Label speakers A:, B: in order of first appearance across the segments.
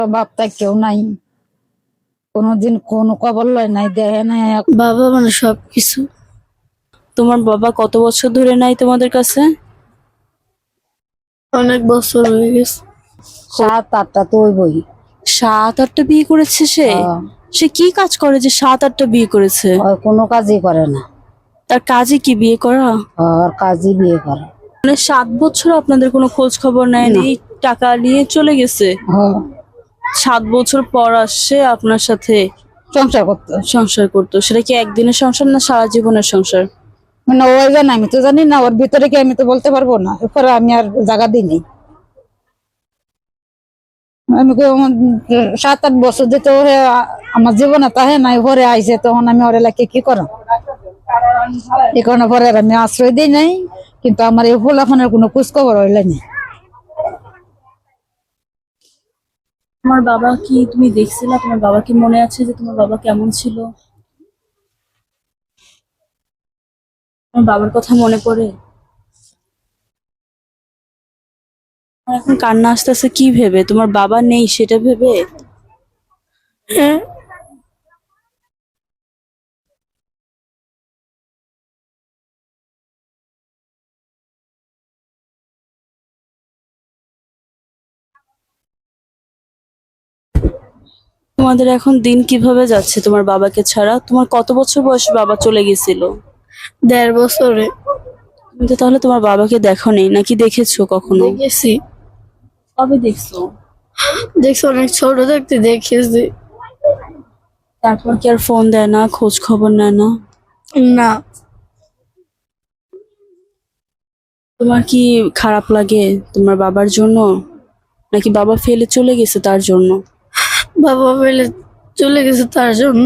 A: বাপটা কেউ নাই, কোনোদিন কোনো খবর লয় নাই, দেখে নাই।
B: বাবা মানে সবকিছু।
C: তোমার বাবা কত বছর ধরে নাই তোমাদের কাছে?
B: অনেক বছর হয়ে গেছে।
A: 7-8টা তো ওই বই।
C: 7-8টা বিয়ে করেছে সে? সে কি কাজ করে যে 7-8টা বিয়ে করেছে?
A: কোনো কাজই করে না,
C: তার কাজে কি বিয়ে করা?
A: আর কাজই বিয়ে করে।
C: মানে 7 বছর আপনাদের কোনো খোঁজ খবর নেয়নি, টাকা নিয়ে চলে গেছে। 7 বছর পর আসছে আপনার সাথে
A: সংসার করতো।
C: সংসার করতো। সেটা কি একদিনের সংসার না সারা জীবনের সংসার?
A: মানে ওই জানে, আমি তো জানি না ওর ভিতরে কি, আমি তো বলতে পারবো না। এরপরে আমি আর জায়গা দিইনি। আমি 7-8 বছর যেতে ওরে আমার জীবনে তাহে নাই, ঘরে আইসে, তখন আমি ওর এলাকে কি করাম, এই কারণে পরে আমি আশ্রয় দিই নাই। কিন্তু আমার এই ফুলাফানের কোনো খোঁজ খবর হইলেনি।
C: তোমার বাবা কি তুমি দেখছিলা? তোমার বাবা কি মনে আছে যে তোমার বাবা কেমন ছিল? তোমার বাবার কথা মনে পড়ে? আমার এখন কান্না আসতেছে কি ভেবে? তোমার বাবা নেই সেটা ভেবে?
B: হ্যাঁ,
C: তোমাদের এখন দিন কিভাবে যাচ্ছে তোমার বাবাকে ছাড়া? তোমার কত বছর বয়সে বাবা চলে গেছিল?
B: 1.5 বছরে।
C: তুমি তো তাহলে তোমার বাবাকে দেখোনি, নাকি দেখেছো কখনো?
B: দেখেছি।
C: কবে দেখছো?
B: দেখছি, অনেক ছোট থাকতে দেখেছি।
C: তারপর কি আর ফোন দেয় না, খোঁজ খবর নেয় না?
B: না,
C: তোমার কি খারাপ লাগে তোমার বাবার জন্য, নাকি বাবা ফেলে চলে গেছে তার জন্য?
B: বাবা ফেলে চলে গেছে তার জন্য।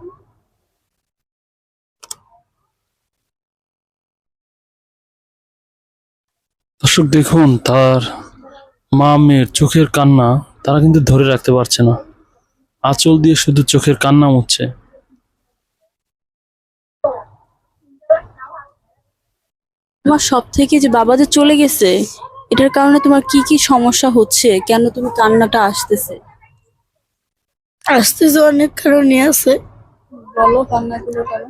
D: দর্শক দেখুন, তার মা মেয়ের চোখের কান্না তারা কিন্তু ধরে রাখতে পারছে না, আঁচল দিয়ে শুধু চোখের কান্না মুছছে।
C: তোমার সব থেকে যে বাবা যে চলে গেছে, এটার কারণে তোমার কি কি সমস্যা হচ্ছে? কেন তুমি কান্নাটা আসতেছে?
B: আসতেছে অনেক কারণই আছে।
C: বলো কান্নাগুলোর কারণ।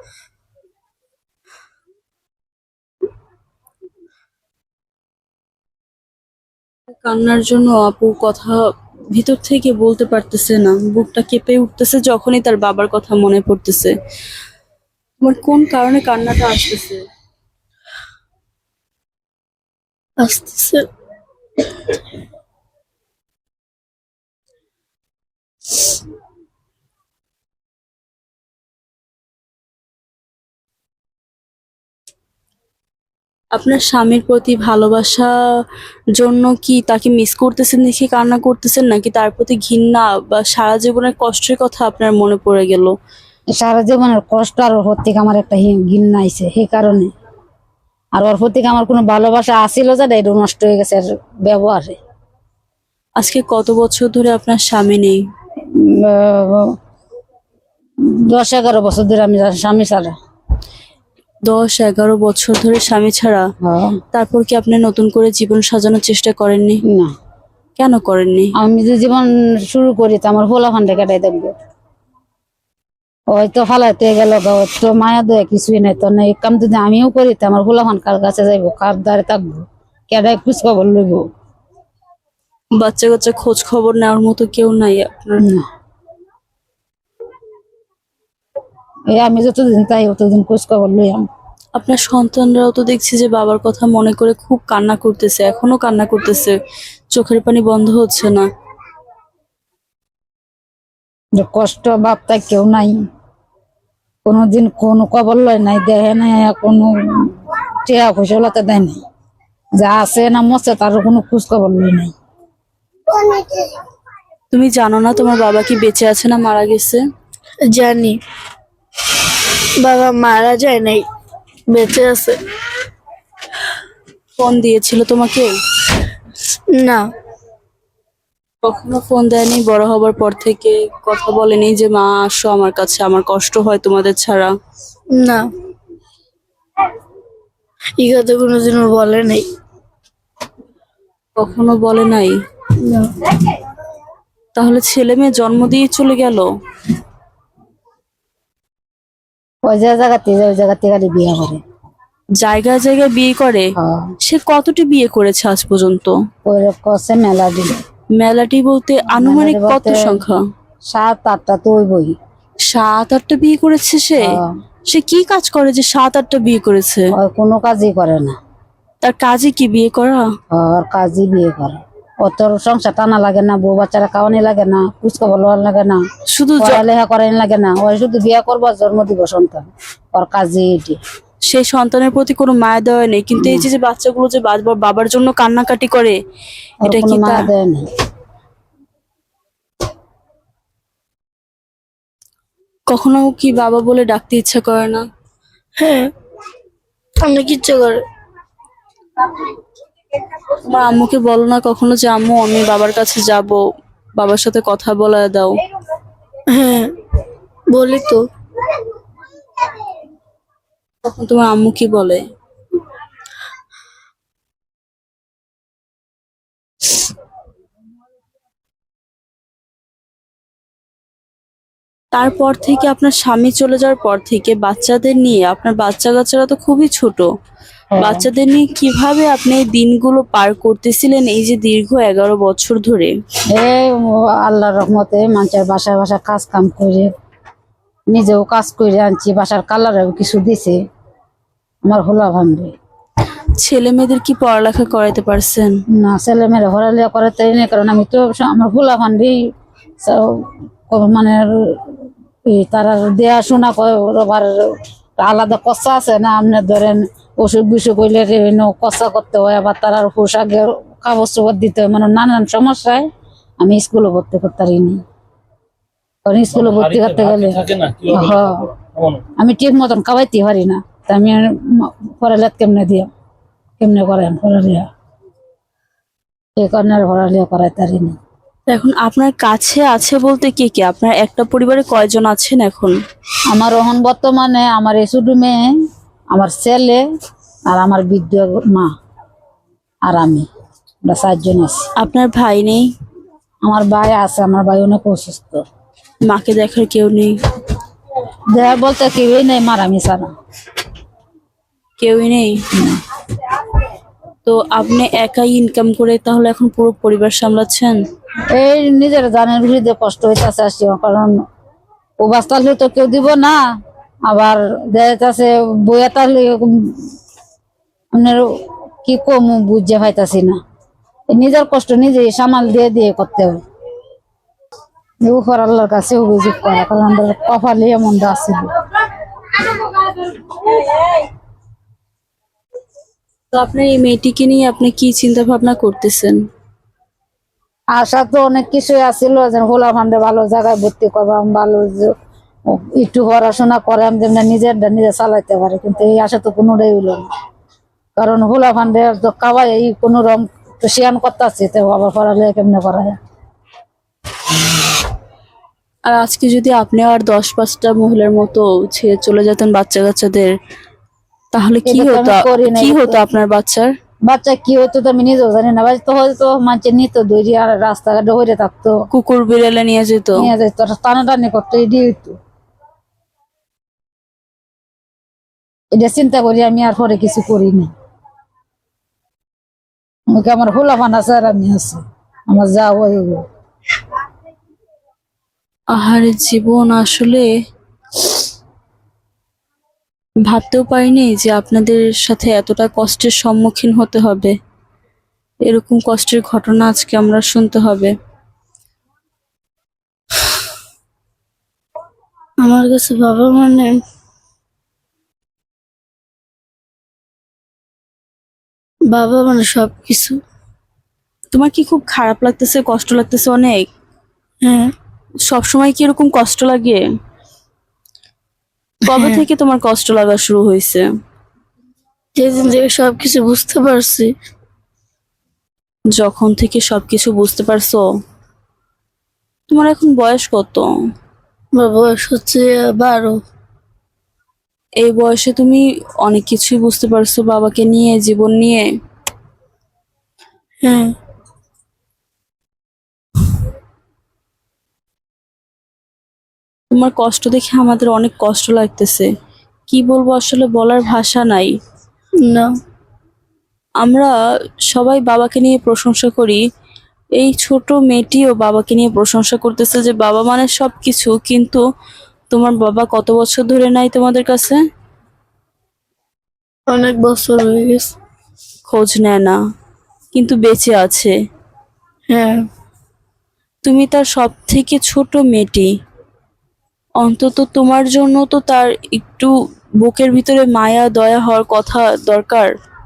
C: কান্নার জন্য আপু কথা ভিতর থেকে বলতে পারতেছে না, বুকটা কেঁপে উঠতেছে যখনই তার বাবার কথা মনে পড়তেছে। তোমার কোন কারণে কান্নাটা আসতেছে?
B: আসতেছে
C: আপনার স্বামীর প্রতি ভালোবাসা জন্য কি তাকে মিস করতেছেন দেখে কান্না করতেছেন, নাকি তার প্রতি ঘৃণা বা সারা জীবনের কষ্টের কথা আপনার মনে পড়ে গেল?
A: সারা জীবনের কষ্ট আর ওর প্রতি আমার একটা ঘৃণা আইছে, সেই কারণে। আর ওর প্রতি আমার কোনো ভালোবাসা আসিল যেটা, এটা নষ্ট হয়ে গেছে ব্যবহারে।
C: আজকে কত বছর ধরে আপনার স্বামী নেই?
A: 10-11 বছর ধরে আমি স্বামী ছাড়া।
C: 10-11 বছর ধরে স্বামী ছাড়া? তারপর কি আপনি নতুন করে জীবন সাজানোর চেষ্টা করেননি?
A: না,
C: কেন করেননি?
A: আমি যদি জীবন শুরু করি তো আমার ফোলাফানটা কেটাই দেখবো। হয়তো ফালাইতে গেল, তো মায়া দেয় কিছুই নাই, তো এই কাম যদি আমিও করি তো আমার ফোলাফান কার কাছে যাইবো, কার দ্বারে থাকবো, কেটাই খোঁজ খবর লইব?
C: বাচ্চা কাচ্চা খোঁজ খবর নেওয়ার মতো কেউ নাই আপনার?
A: না, এই আমি যতদিন তাই ততদিন খোঁজ খবর লইয়াম।
C: আপনার সন্তানরাও তো দেখছি যে বাবার কথা মনে করে খুব কান্না করতেছে, এখনো কান্না করতেছে, চোখের পানি বন্ধ হচ্ছে না।
A: যে কষ্ট বাপটা কেউ নাই, কোনোদিন কোনো খবর লয় নাই, দেখে নাই, কোনো টিয়া ফসলতে দেয় নাই। যা আছে না মরছে তার কোনো খোঁজ খবর লই নাই।
C: তুমি জানো না তোমার বাবা কি বেঁচে আছে না মারা গেছে?
B: জানি, বাবা মারা যায় নাই, বেঁচে আছে।
C: ফোন দিয়েছিল তোমাকে?
B: না,
C: কখনো ফোন দেয়নি? বড় হবার পর থেকে কথা বলেনি যে মা আসো আমার কাছে, আমার কষ্ট হয় তোমাদের ছাড়া?
B: না, এই কথা কোনোদিনও বলে নাই।
C: কখনো বলে নাই?
B: না।
C: তাহলে ছেলে মেয়ে জন্ম দিয়ে চলে গেল?
A: ওই যে জায়গাতে ওই জায়গাতে খালি বিয়ে করে।
C: জায়গায় জায়গায় বিয়ে করে?
A: হ্যাঁ,
C: সে কতটি বিয়ে করেছে আজ পর্যন্ত?
A: ওই করছে মেলা দিল।
C: মেলাটি বলতে আনুমানিক
A: মেলাটি
C: কত
A: বলতে-
C: সংখ্যা?
A: 7-8টা তো ওই বই।
C: 7-8টা বিয়ে করেছে সে?
A: হ্যাঁ,
C: সে কি কাজ করে যে 7-8টা বিয়ে করেছে?
A: ওই কোনো কাজই করে না।
C: তার কাজে কি বিয়ে করা?
A: ওর কাজই বিয়ে করে। ওর তোর সংসার টানা লাগে না, বউ বাচ্চারা খাওয়ানি লাগে না, কুচকাবার লওয়ার লাগে না,
C: শুধু
A: পড়ালেখা করানি লাগে না। ওই শুধু বিয়ে করবো, জন্ম দিব সন্তান। ওর কাজই এটি।
C: সেই সন্তানের প্রতি কোনো মায়া দেওয়া নেই, কিন্তু এই যে যে বাচ্চাগুলো যে বারবার বাবার জন্য কান্নাকাটি করে,
A: ওর
C: এটা
A: কোনো
C: কি
A: মায়া
C: তা
A: দেয় না।
C: কখনো কি বাবা বলে ডাকতে ইচ্ছা করে না?
B: হ্যাঁ, অনেক ইচ্ছে করে।
C: তোমার আম্মুকে বলো না কখনো যে আম্মু আমি বাবার কাছে যাব, বাবার সাথে কথা বলা দাও?
B: হ্যাঁ, বলি তো।
C: তখন তোমার আম্মু কি বলে? তারপর থেকে আপনার স্বামী চলে যাওয়ার পর থেকে বাচ্চাদের নিয়ে, আপনার বাচ্চা কাচ্চারা তো খুবই ছোট, বাচ্চাদের নিয়ে কিভাবে আপনি এই দিনগুলো পার করতেছিলেন এই যে দীর্ঘ 11 বছর ধরে?
A: এই আল্লাহর রহমতে মানুষের বাসায় বাসায় কাজ কাম করে, নিজেও কাজ করে আনছি, বাসার কালারেও কিছু দিছে। আমার হোলা ভাঙবে
C: ছেলে মেয়েদের কি পড়ালেখা করাইতে পারছেন?
A: না, ছেলে মেয়েরা পড়ালেখা করে তাই না, কারণ আমি তো আমার হোলা ভান্ডি মানে তারা দেয়া আবার আলাদা কষা আছে না। আপনার ধরেন অসুখ বিসুখ হইলে কষা করতে হয়, আবার তার পোশাকের কাগজ চোপড় দিতে হয়, মানে নানান সমস্যায় আমি স্কুলে ভর্তি করতে পারিনি। কারণ স্কুলে ভর্তি করতে গেলে হ্যাঁ, আমি ঠিক মতন খাওয়াইতে পারি না। তা আমি পড়ালেখা কেমনে করেন পড়ালেখা, এই কারণে পড়ালেখা করাইতে পারিনি।
C: এখন আপনার কাছে আছে বলতে কে কে? আপনার একটা পরিবারে কয়জন আছেন এখন?
A: আমার এখন বর্তমানে আমার এই ছোট মেয়ে, আমার ছেলে, আর আমার বৃদ্ধ মা, আর আমি, আমরা 4 জন আছি।
C: আপনার ভাই নেই?
A: আমার ভাই আছে, আমার ভাই অনেক অসুস্থ।
C: মাকে দেখার কেউ নেই?
A: দেহ বলতে কেউই নেই, মারামি ছাড়া।
C: কেউই নেই? তো আপনি একাই ইনকাম করে তাহলে এখন পুরো পরিবার সামলাচ্ছেন?
A: এই নিজের জানের বিরুদ্ধে কষ্ট হইতেছে আসছি, কারণ ও বাস্তালে তো কেউ দিব না, আবার দেখাচ্ছে বইয়া তাহলে আপনার কি কম বুঝে পাইতাছি না। এই নিজের কষ্ট নিজে সামাল দিয়ে দিয়ে করতে হবে। উপর আল্লাহর কাছে অভিযোগ করা, কারণ আমাদের কপালে এমনটা আছিল।
C: তো আপনার এই মেয়েটিকে নিয়ে আপনি কি চিন্তা ভাবনা করতেছেন?
A: আশা তো অনেক কিছুই আছিল, যে হোলা ফান্ডে ভালো জায়গায় ভর্তি করবাম, ভালো একটু পড়াশোনা করাম, যেমন নিজে চালাইতে পারে, কিন্তু এই আশা তো কোনোটাই হইল না। কারণ হোলা ফান্ডে তো খাওয়াই এই কোন রকম তো শিয়ান করতেছে, তো আবার পড়ালে কেমনে করা যায়।
C: আর আজকে যদি আপনি আর 10-5টা মহিলার মতো ছেড়ে চলে যেতেন বাচ্চা কাচ্চাদের, তাহলে কি
A: এটা তো
C: হতো?
A: আমি করি নাই।
C: কি হতো আপনার বাচ্চার?
A: বাচ্চা কি হইতো তো আমি নিজেও জানি না। তো হয়তো মানুষের নিত দৌড়ি, আর রাস্তাঘাটে হইরে থাকতো,
C: কুকুর বিড়ালে নিয়ে যেত?
A: নিয়ে যেত, টানাটানি করতো, এটি হইতো। এটা চিন্তা করি আমি আর পরে কিছু করিনি। আমাকে আমার হোলা ফান আছে আর আমি আছি, আমার যা হইব।
C: আহারে জীবন, আসলে ভাবতেও পারিনি যে আপনাদের সাথে এতটা কষ্টের সম্মুখীন হতে হবে, এরকম কষ্টের ঘটনা আজকে আমরা শুনতে হবে।
B: আমার কাছে বাবা মানে সবকিছু।
C: তোমার কি খুব খারাপ লাগতেছে, কষ্ট লাগতেছে অনেক?
B: হ্যাঁ,
C: সবসময় কি এরকম কষ্ট লাগে? কবে
B: হ্যাঁ।
C: থেকে তোমার কষ্ট লাগা শুরু হয়েছে?
B: যেদিন থেকে সবকিছু বুঝতে পারছি।
C: যখন থেকে সবকিছু বুঝতে পারছো? তোমার এখন বয়স কত?
B: আমার বয়স হচ্ছে 12।
C: এই বয়সে তুমি অনেক কিছুই বুঝতে পারছো বাবাকে নিয়ে, জীবন নিয়ে।
B: হ্যাঁ,
C: তোমার কষ্ট দেখে আমাদের অনেক কষ্ট লাগতেছে। কি বলবো, আসলে বলার ভাষা নাই।
B: না,
C: আমরা সবাই বাবাকে নিয়ে প্রশংসা করি, এই ছোট মেয়েটিও বাবাকে নিয়ে প্রশংসা করতেছে যে বাবা মানে সবকিছু, কিন্তু তোমার বাবা কত বছর ধরে নাই তোমাদের কাছে?
B: অনেক বছর হয়ে গেছে।
C: খোঁজ নেয় না, কিন্তু বেঁচে আছে।
B: হ্যাঁ,
C: তুমি তার সব থেকে ছোট মেয়েটি, অন্তত তোমার জন্য তো তার একটু বুকের ভিতরে মায়া দয়া হওয়ার কথা দরকার।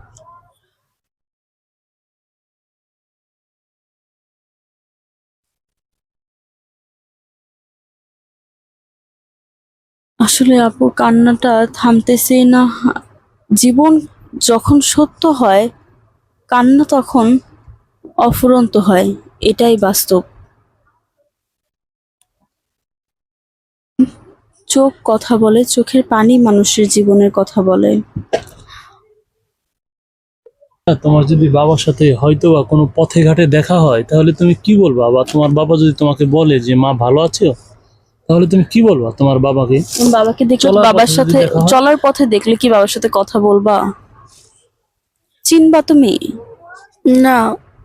C: আসলে আপুর কান্নাটা থামতেছেই না। জীবন যখন সত্য হয়, কান্না তখন অফুরন্ত হয়, এটাই বাস্তব। চোখ কথা বলে, চোখের পানি মানুষের জীবনের কথা বলে।
D: তোমার যদি বাবার সাথে হয়তো বা কোনো পথে ঘাটে দেখা হয়, তাহলে তুমি কি বলবা? বা তোমার বাবা যদি তোমাকে বলে যে মা ভালো আছো, তাহলে তুমি কি বলবা তোমার বাবাকে?
C: বাবাকে দেখলে,
D: চলার
C: বাবার
D: পথে যদি
C: সাথে
D: দেখা হয়?
C: চলার পথে দেখলে কি বাবার সাথে কথা বলবা? চিনবা তুমি?
B: না,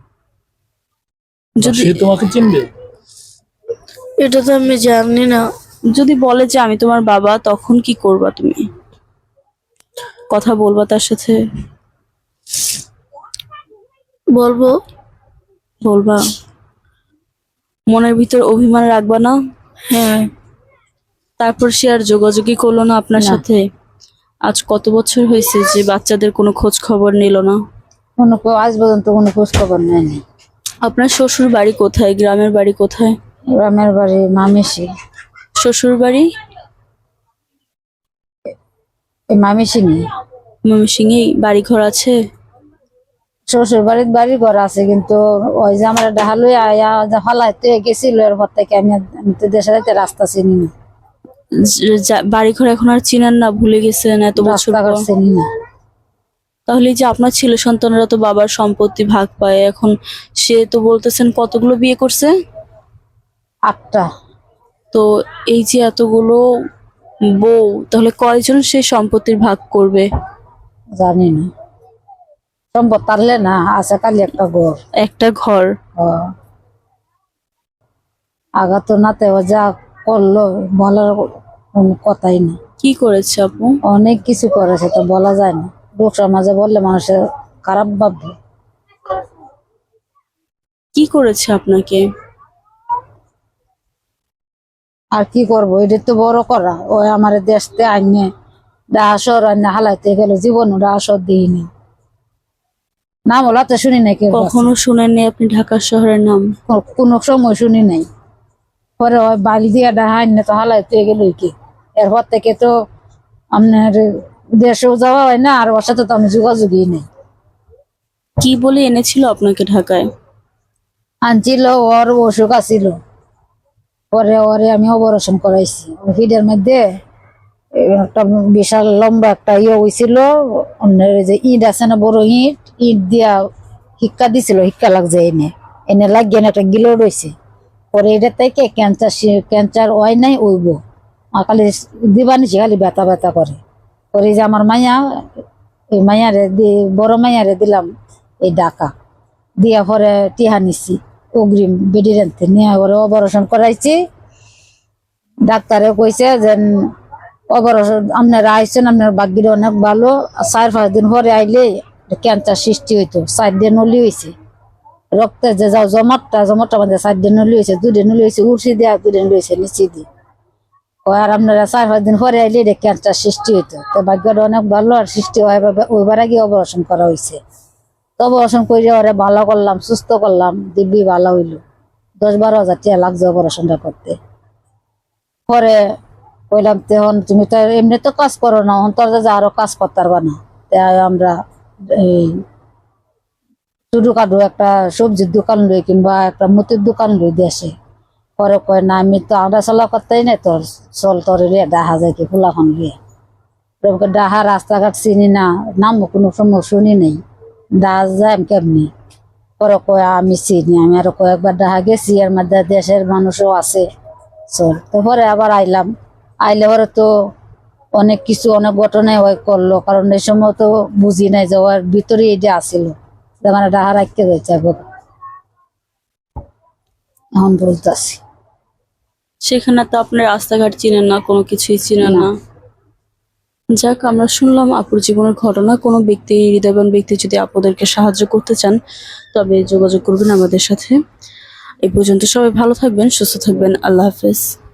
D: বা
C: যদি
D: সে তোমাকে চিনবে?
B: এটা তো আমি জানি না।
C: যদি বলে যে আমি তোমার বাবা, তখন কি করবা তুমি? কথা বলবা তার সাথে?
B: বলবো।
C: বলবা? মনের ভিতর অভিমান রাখবা না?
B: হ্যাঁ,
C: তারপর সে আর যোগাযোগই করলো না আপনার
A: না।
C: সাথে? আজ কত বছর হয়েছে যে বাচ্চাদের কোনো খোঁজ খবর নিল না?
A: আজ পর্যন্ত কোনো খোঁজ খবর নেয়নি।
C: আপনার শ্বশুর বাড়ি কোথায়, গ্রামের বাড়ি কোথায়?
A: গ্রামের বাড়ি মামিসি।
C: শ্বশুর বাড়ি
A: এই মামিসিনি।
C: ময়মনসিংহেই? বাড়ি ঘর আছে?
A: শ্বশুর বাড়ির বাড়ি ঘর আছে, কিন্তু ওই যে আমার ডাহালুই আয়া ফালাইতে গেছিল, এরপর থেকে আমি তো দেশে যাইতে রাস্তা চিনি না,
C: বাড়ি ঘর এখন আর চিনেন না, ভুলে গেছেন এত বছর
A: রাস্তাঘাট
C: পর?
A: চিনি না।
C: তাহলে এই যে আপনার ছেলে সন্তানরা তো বাবার সম্পত্তি ভাগ পায়, এখন সে তো বলতেছেন কতগুলো বিয়ে করছে?
A: 8টা।
C: তো এই যে এতগুলো বউ, তাহলে কয়জন সে সম্পত্তির ভাগ করবে?
A: জানি না, সম্পদ তারলে না আছে খালি একটা ঘর।
C: একটা ঘর।
A: আগা তো নাতে ও যা করলো বলার কোনো কথাই না।
C: কি করেছে আপু?
A: অনেক কিছু করেছে, তো বলা যায় না, লোক সমাজে বললে মানুষের খারাপ ভাববে।
C: কি করেছে আপনাকে?
A: আর কি করবো, এটা তো বড় করা। ওই আমার দেশতে আইনে ডাহাসর আইনে হালাইতে গেল, জীবন ডাহাসর দিইনি, নাম ওলা তো শুনি নাই কেউ কাছে।
C: কখনো শুনেননি আপনি ঢাকা শহরের নাম?
A: কোনো সময় শুনি নাই। পরে ওই বালি দিয়া ডাহা আইনে তো হালাইতে গেল কি, এরপর থেকে তো আপনার দেশেও যাওয়া হয় না, আর ওর সাথে তো আমি যোগাযোগই নেই।
C: কি বলে এনেছিল আপনাকে ঢাকায়?
A: আনছিল, ওর অসুখ আছিল, পরে ওরে আমি অপারেশন করাইছি। ফিডের মধ্যে একটা বিশাল লম্বা একটা ইয়ে হয়েছিল, অন্যের যে ইট আছে না, বড় ইট, ইট দিয়া হিক্কা দিছিল, হিক্কা লাগছে এনে এনে লাগিয়ে একটা গিলো রয়েছে। পরে এটা থেকে ক্যান্সার হয় নাই, ওইব খালি দিবা নিছি, খালি ব্যথা ব্যথা করে। পরে যে আমার মাইয়া, এই মাইয়ারে বড় মাইয়ারে দিলাম এই ডাকা দিয়া, পরে টিহা নিছি অগ্রিম বেডি রেন্থে নিয়ে, পরে অপারেশন করাইছি। ডাক্তারে কইছে যে অপারেশন আপনারা আইসেন, আপনার ভাগ্যের অনেক ভালো, 4-5 দিন পরে আইলে ক্যান্সার সৃষ্টি হইতো। 4 দিন নলি হয়েছে, রক্তের যে যাও জমাটটা মানে 4 দিন নলি হয়েছে, 2 দিন নলি হয়েছে উঠছি দিয়ে, 2 দিন রয়েছে নিচে দিয়ে। আর আপনারা 4-5 দিন পরে আইলে এটা ক্যান্সার সৃষ্টি হইতো। তো ভাগ্যটা অনেক ভালো, আর সৃষ্টি হয় ওইবার আগে অপারেশন করা হয়েছে। তো অপারেশন করে ওরা ভালো করলাম, সুস্থ করলাম, দিব্যি ভালো হইলো। 10-12 হাজার টাকা লাগছে অপারেশনটা করতে। পরে কইলাম, তখন তুমি তো এমনি তো কাজ করো না, অন্তর যে আরো কাজ করতে পারবা না। তাই আমরা এই ছোটখাটো একটা সবজির দোকান লই, কিংবা একটা মুতির দোকান লই দেশে। পরে কয় না, আমি তো আডা চলা করতেই নাই, তোর চল তোর ডাহা যায় কি ফুলাখন লিয়ে। ডাহা রাস্তাঘাট চিনি না, নামও কোনো সময় শুনি নাই, ডাহা যায় কেমনি। পরে কয় আমি চিনি, আমি আরো কয়েকবার ডাহা গেছি, এর মধ্যে দেশের মানুষও আছে, চল তো পরে আবার আইলাম, আইলে পরে তো অনেক কিছু অনেক ঘটনায় ওই করলো, কারণ এই সময় তো বুঝি নাই যে ওর ভিতরে এই যে আসিল, মানে ডাহা রাখতে যাচ্ছে এখন বলতেছি।
C: সেখানে তো আপনার রাস্তাঘাট চিনেন না, কোনো কিছুই চিনেন
A: না।
C: না। যাক, আমরা শুনলাম আপুর জীবনের ঘটনা। কোনো ব্যক্তি, হৃদয়বান ব্যক্তি যদি আপনাদেরকে সাহায্য করতে চান তবে যোগাযোগ করবেন আমাদের সাথে। এই পর্যন্ত সবাই ভালো থাকবেন, সুস্থ থাকবেন। আল্লাহ হাফেজ।